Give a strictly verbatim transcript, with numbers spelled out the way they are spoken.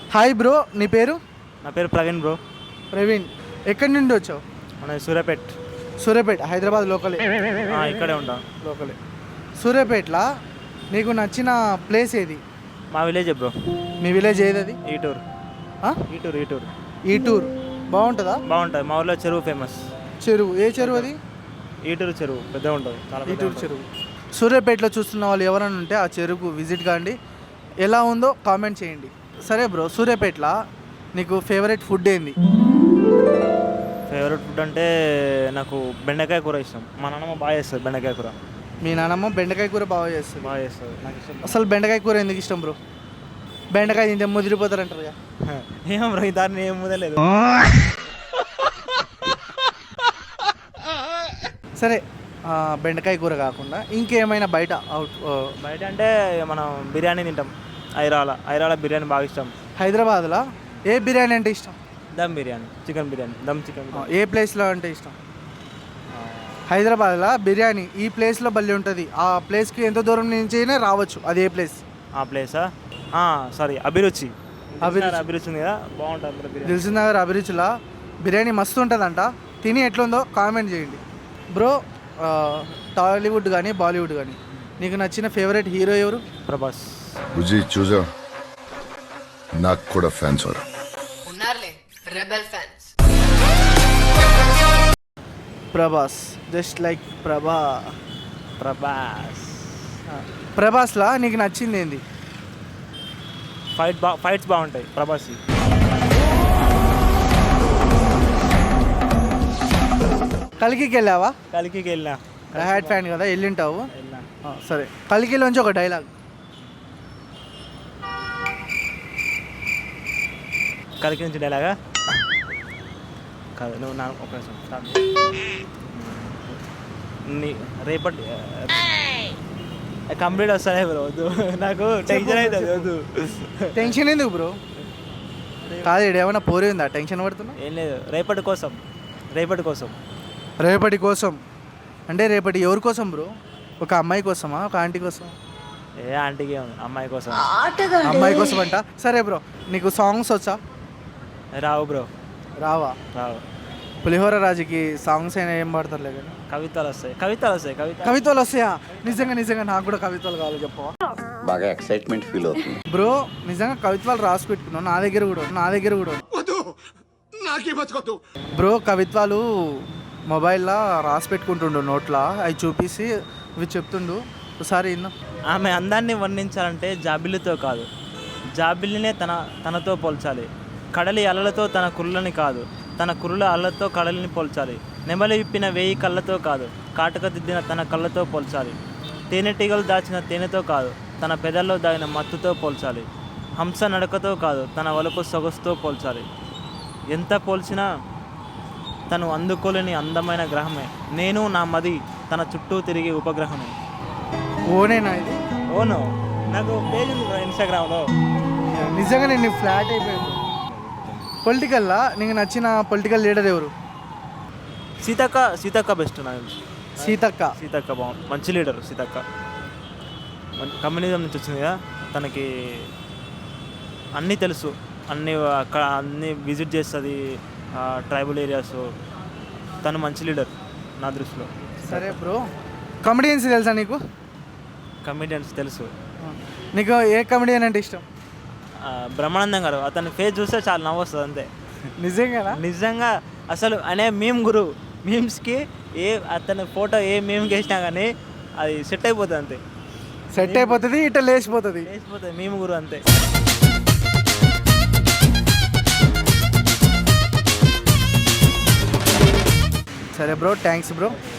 Hi bro, నీ పేరు? నా పేరు ప్రవీణ్ బ్రో. ప్రవీణ్, ఎక్కడి నుండి వచ్చావు? మన సూర్యాపేట్. సూర్యాపేట, హైదరాబాద్ లోకలే? ఆ, ఇక్కడే ఉంటాం. లోకలే. సూర్యాపేటలో నీకు నచ్చిన ప్లేస్ ఏది? మా విలేజ్ బ్రో. మీ విలేజ్ ఏది అది? ఈటూరు. ఆ? ఈటూరు ఈటూరు ఈటూర్ బాగుంటుందా? బాగుంటుంది. మా ఊళ్ళో చెరువు ఫేమస్. చెరువు ఏ చెరువు అది? ఈటూరు చెరువు పెద్దగా ఉంటుంది, చాలా పెద్దగా ఈటూరు ఉంటుంది. చెరువు. సూర్యాపేటలో చూస్తున్న వాళ్ళు ఎవరైనా ఉంటే ఆ చెరువుకు విజిట్ కాండి, ఎలా ఉందో కామెంట్ చేయండి. సరే బ్రో, సూర్యాపేటలో నీకు ఫేవరెట్ ఫుడ్ ఏంది? ఫేవరెట్ ఫుడ్ అంటే నాకు బెండకాయ కూర ఇష్టం. మా నాన్నమ్మ బాగా చేస్తుంది బెండకాయ కూర. మీ నాన్నమ్మ బెండకాయ కూర బాగా చేస్తుంది. బాగా చేస్తుంది, నాకు ఇష్టం. అసలు బెండకాయ కూర ఎందుకు ఇష్టం బ్రో? బెండకాయ తింటే ముదిరిపోతారంటారు కదా. ఏం బ్రో, ఈ దాన్ని ఏం ముదలేదు. సరే, ఆ, బెండకాయ కూర కాకుండా ఇంకేమైనా బయట అవుట్ బయట అంటే మనం బిర్యానీ తింటాం. ఐరాల ఐరాల బిర్యానీ బాగా ఇష్టం. హైదరాబాద్లో ఏ బిర్యానీ అంటే ఇష్టం? Dum biryani, chicken biryani, dum chicken. ఆ, ఏ ప్లేస్లో అంటే ఇష్టం? హైదరాబాద్లో బిర్యానీ ఈ ప్లేస్లో బల్లి ఉంటుంది, ఆ ప్లేస్కి ఎంత దూరం నుంచి అయినా రావచ్చు. అది ఏ ప్లేస్? ఆ ప్లేసా? సారీ, అభిరుచి. అభిరుచి. అభిరుచి ఉంది కదా, బాగుంటుంది బ్రో బిర్యానీ. దిల్సుఖ్నగర్ అభిరుచిలో బిర్యానీ మస్తు ఉంటుందంట, తిని ఎట్లుందో కామెంట్ చేయండి. బ్రో, టాలీవుడ్ కానీ బాలీవుడ్ కానీ నీకు నచ్చిన ఫేవరెట్ హీరో ఎవరు? ప్రభాస్. బుజ్జి చూసా, నాకు కూడా ఫ్యాన్స్ వారు ఉన్నారులే, rebel fans. Prabhas, just like Prabha. Prabhas ప్రభాస్లా నీకు నచ్చింది ఏంది? ఫైట్ బా ఫైట్స్ బాగుంటాయి ప్రభాస్. కల్కికి వెళ్ళావా? కలికి వెళ్ళినా. హ్యాడ్ ఫ్యాన్ కదా, వెళ్ళింటావు. వెళ్ళినా. ఆ, సరే, కల్కిలోంచి ఒక డైలాగ్. కలికి నుంచి డైలాగా కాదు, నువ్వు నా ఒక నిమిషం stop. నీ రేపటి కంప్లీట్ వస్తానే బ్రో, వద్దు నాకు టెన్షన్ అవుతుంది, వద్దు. టెన్షన్ ఎందుకు బ్రో? కాదు, ఇక్కడ ఏమైనా పోరి ఉందా టెన్షన్ పడుతున్నా? ఏం లేదు, రేపటి కోసం. రేపటి కోసం రేపటి కోసం అంటే రేపటి ఎవరి కోసం బ్రో? ఒక అమ్మాయి కోసమా, ఒక ఆంటీ కోసం? ఏ ఆంటీకి ఏముంది, అమ్మాయి కోసం. అమ్మాయి కోసం అంట. సరే బ్రో, నీకు సాంగ్స్ వచ్చా? రావు బ్రో, రావా? రావు. పులిహోర రాజుకి సాంగ్స్ అయినా ఏం పాడతారులే కానీ. కవితలు వస్తాయి, కవితలు వస్తాయి, కవిత కవితలు వస్తాయా? నిజంగా నిజంగా నాకు కూడా కవితలు కావాలి, చెప్పవా? బాగా ఎక్సైట్మెంట్ ఫీల్ అవుతుంది బ్రో, నిజంగా కవిత్వాలు రాసి పెట్టుకున్నావు, నా దగ్గర కూడా నా దగ్గర కూడా బ్రో. కవిత్వాలు మొబైల్లో రాసి పెట్టుకుంటుండు నోట్లో, అవి చూపిసి ఇవి చెప్తుండు, ఒకసారి విన్నా. ఆమె అందాన్ని వర్ణించాలంటే జాబిల్లితో కాదు, జాబిల్లినే తన తనతో పోల్చాలి. కడలి అలలతో తన కురులని కాదు, తన కురుల అలలతో కడలిని పోల్చాలి. నెమలి విప్పిన వేయి కళ్ళతో కాదు, కాటుక దిద్దిన తన కళ్ళతో పోల్చాలి. తేనెటీగలు దాచిన తేనెతో కాదు, తన పెదల్లో దాగిన మత్తుతో పోల్చాలి. హంస నడకతో కాదు, తన వలుపు సొగసుతో పోల్చాలి. ఎంత పోల్చినా తను అందుకోలేని అందమైన గ్రహమే. నేను నా మది తన చుట్టూ తిరిగే ఉపగ్రహమే. ఓనేనా ఇది? ఓను, నాకు పేజ్ ఉంది బ్రో ఇన్స్టాగ్రామ్లో. నిజంగా నేను ఫ్లాట్ అయిపోయింది. పొలిటికల్లా నీకు నచ్చిన పొలిటికల్ లీడర్ ఎవరు? సీతక్క. సీతక్క బెస్ట్ నాకు తెలిసి. సీతక్క. సీతక్క బాగుంది, మంచి లీడర్ సీతక్క. కమ్యూనిజం నుంచి వచ్చింది కదా, తనకి అన్నీ తెలుసు, అన్నీ అక్కడ అన్నీ విజిట్ చేస్తుంది, ట్రైబల్ ఏరియాస్. తను మంచి లీడర్ నా దృష్టిలో. సరే బ్రో, కమెడియన్స్ తెలుసా నీకు? కమెడియన్స్ తెలుసు. నీకు ఏ కమెడియన్ అంటే ఇష్టం? బ్రహ్మానందం గారు, అతని ఫేస్ చూస్తే చాలా నవ్వు వస్తుంది అంతే. నిజంగా నిజంగా అసలు అనే మీమ్ గురు. మీమ్స్కి ఏ అతని ఫోటో ఏ మీమ్కి వేసినా కానీ అది సెట్ అయిపోతుంది అంతే. సెట్ అయిపోతుంది, ఇట్లా లేచిపోతుంది, లేచిపోతుంది మీమ్ గురు అంతే. సరే బ్రో, థ్యాంక్స్ బ్రో.